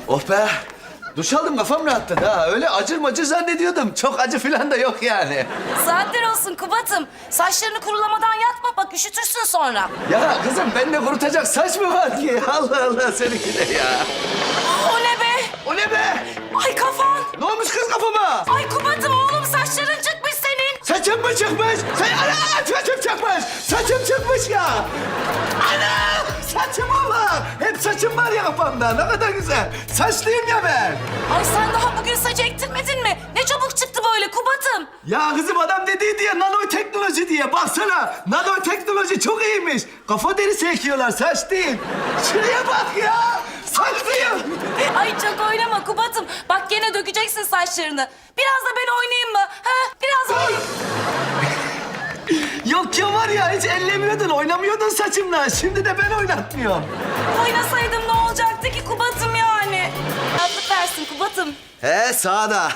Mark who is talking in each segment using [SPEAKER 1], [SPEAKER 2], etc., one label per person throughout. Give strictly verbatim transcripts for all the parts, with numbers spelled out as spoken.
[SPEAKER 1] Oh be! Duş aldım, kafam rahatladı ha. Öyle acır macır zannediyordum. Çok acı falan da yok yani.
[SPEAKER 2] Saatler olsun Kubat'ım. Saçlarını kurulamadan yatma bak üşütürsün sonra.
[SPEAKER 1] Ya kızım bende kurutacak saç mı var ki? Allah Allah seninki de ya.
[SPEAKER 2] O ne be?
[SPEAKER 1] O ne be?
[SPEAKER 2] Ay kafan.
[SPEAKER 1] Ne olmuş kız kafama?
[SPEAKER 2] Ay Kubat'ım oğlum saçların çıkmış senin.
[SPEAKER 1] Saçım mı çıkmış? Say ana saçım çıkmış. Saçım çıkmış ya. Ana saçım var. Hep saçım var ya kafamda. Ne kadar güzel. Saçlıyım ya ben.
[SPEAKER 2] Ay sen daha bugün saç ektirmedin mi? Ne çabuk çıktı böyle Kubat'ım.
[SPEAKER 1] Ya kızım adam dediği diye nanoteknoloji diye. Baksana nanoteknoloji çok iyiymiş. Kafa derisi ekiyorlar saç değil. Şuraya bak ya. Saçlıyım.
[SPEAKER 2] Ay çok oynama Kubat'ım. Bak gene dökeceksin saçlarını. Biraz da ben oynayayım mı? Ha? Biraz oynayayım.
[SPEAKER 1] Yok ya var ya hiç ellemiyordun, oynamıyordun saçımla. Şimdi de ben oynatmıyorum.
[SPEAKER 2] Oynasaydım ne olacaktı ki Kubat'ım yani? Rahatlık versin Kubat'ım.
[SPEAKER 1] He sağda.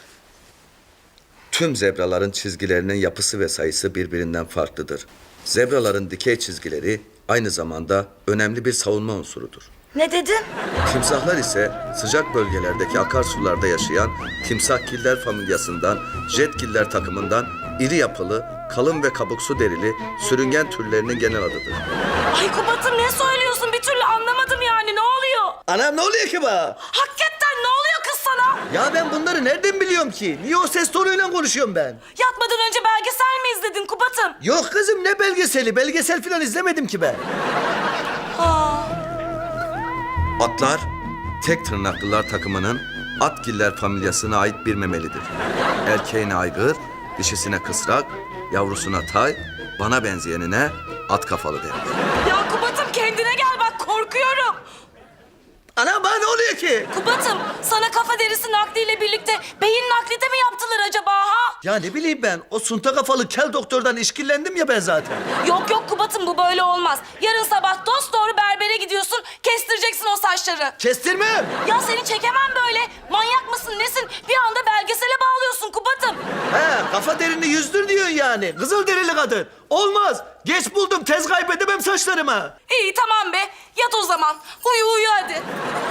[SPEAKER 1] Tüm zebraların çizgilerinin yapısı ve sayısı birbirinden farklıdır. Zebraların dikey çizgileri aynı zamanda önemli bir savunma unsurudur.
[SPEAKER 2] Ne dedin?
[SPEAKER 1] Timsahlar ise sıcak bölgelerdeki akarsularda yaşayan timsahgiller familyasından, jetgiller takımından iri yapılı, kalın ve kabuksu derili sürüngen türlerinin genel adıdır.
[SPEAKER 2] Ay Kubat'ım ne söylüyorsun? Bir türlü anlamadım yani. Ne oluyor?
[SPEAKER 1] Anam ne oluyor ki bana?
[SPEAKER 2] Hakikaten ne oluyor kız sana?
[SPEAKER 1] Ya ben bunları nereden biliyorum ki? Niye o ses tonuyla konuşuyorum ben?
[SPEAKER 2] Yatmadan önce belgesel mi izledin Kubat'ım?
[SPEAKER 1] Yok kızım ne belgeseli? Belgesel falan izlemedim ki ben.
[SPEAKER 2] Aa.
[SPEAKER 1] Atlar, tek tırnaklılar takımının atgiller familyasına ait bir memelidir. Erkeğine aygır, dişisine kısrak, yavrusuna tay, bana benzeyenine at kafalı denir.
[SPEAKER 2] Ya Kubat'ım kendine gel bak korkuyorum.
[SPEAKER 1] Ana bana ne oluyor ki?
[SPEAKER 2] Kubat'ım sana kafa derisi nakliyle birlikte beyin nakli de mi yaptılar acaba ha?
[SPEAKER 1] Ya ne bileyim ben, o sunta kafalı kel doktordan işkillendim ya ben zaten.
[SPEAKER 2] Yok yok Kubat'ım bu böyle olmaz. Yarın sabah dosdoğru berbere gidiyorsun kestireceksin o saçları.
[SPEAKER 1] Kestirmem.
[SPEAKER 2] Ya seni çekemem böyle. Manyak mısın nesin? Bir anda belgesele bağlıyorsun Kubat'ım.
[SPEAKER 1] He, kafa derini yüzdür diyorsun yani. Kızıl derili kadın. Olmaz. Geç buldum, tez kaybedemem saçlarımı.
[SPEAKER 2] İyi tamam be. Yat o zaman. Uyu uyu hadi.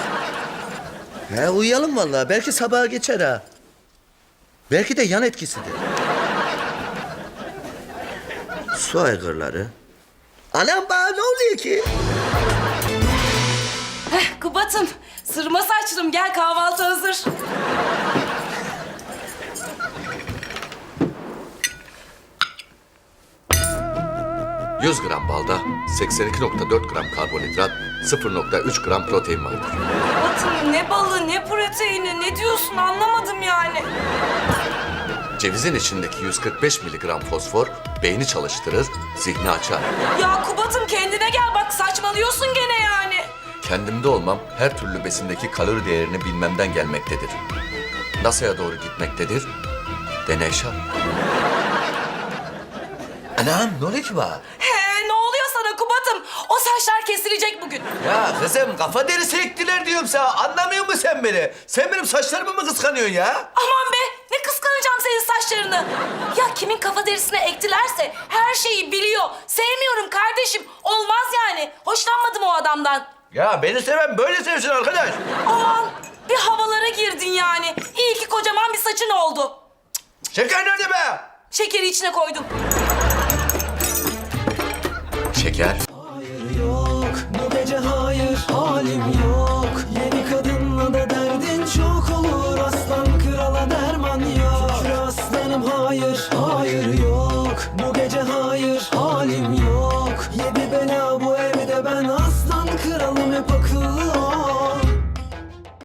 [SPEAKER 1] He uyuyalım vallahi. Belki sabaha geçer ha. Belki de yan etkisidir. Su aygırları. Anam bana ne oluyor ki?
[SPEAKER 2] Heh, Kubat'ım sırma saçlım gel kahvaltı hazır.
[SPEAKER 3] yüz gram balda seksen iki nokta dört gram karbonhidrat, sıfır nokta üç gram protein vardır.
[SPEAKER 2] Kubat'ım ne balı ne proteini ne diyorsun anlamadım yani.
[SPEAKER 3] Cevizin içindeki yüz kırk beş miligram fosfor beyni çalıştırır, zihni açar.
[SPEAKER 2] Ya Kubat'ım kendine gel bak saçmalıyorsun gene yani.
[SPEAKER 3] Kendimde olmam her türlü besindeki kalori değerini bilmemden gelmektedir. NASA'ya doğru gitmektedir. Deney şart.
[SPEAKER 1] Anam ne oluyor ki bana?
[SPEAKER 2] He ne oluyor sana Kubat'ım? O saçlar kesilecek bugün.
[SPEAKER 1] Ya kızım kafa derisi ektiler diyorum sana. Anlamıyor musun sen beni? Sen benim saçlarımı mı kıskanıyorsun ya?
[SPEAKER 2] Aman be ne kıskanacağım senin saçlarını. Ya kimin kafa derisine ektilerse her şeyi biliyor. Sevmiyorum kardeşim. Olmaz yani. Hoşlanmadım o adamdan.
[SPEAKER 1] Ya beni seven böyle sevsin arkadaş.
[SPEAKER 2] Aman bir havalara girdin yani. İyi ki kocaman bir saçın oldu.
[SPEAKER 1] Şeker nerede be?
[SPEAKER 2] Şekeri içine koydum.
[SPEAKER 3] Şeker,
[SPEAKER 4] Hayır yok, bu gece hayır, halim yok. Yeni kadınla da derdin çok olur, aslan krala derman yok. Şükür aslanım hayır,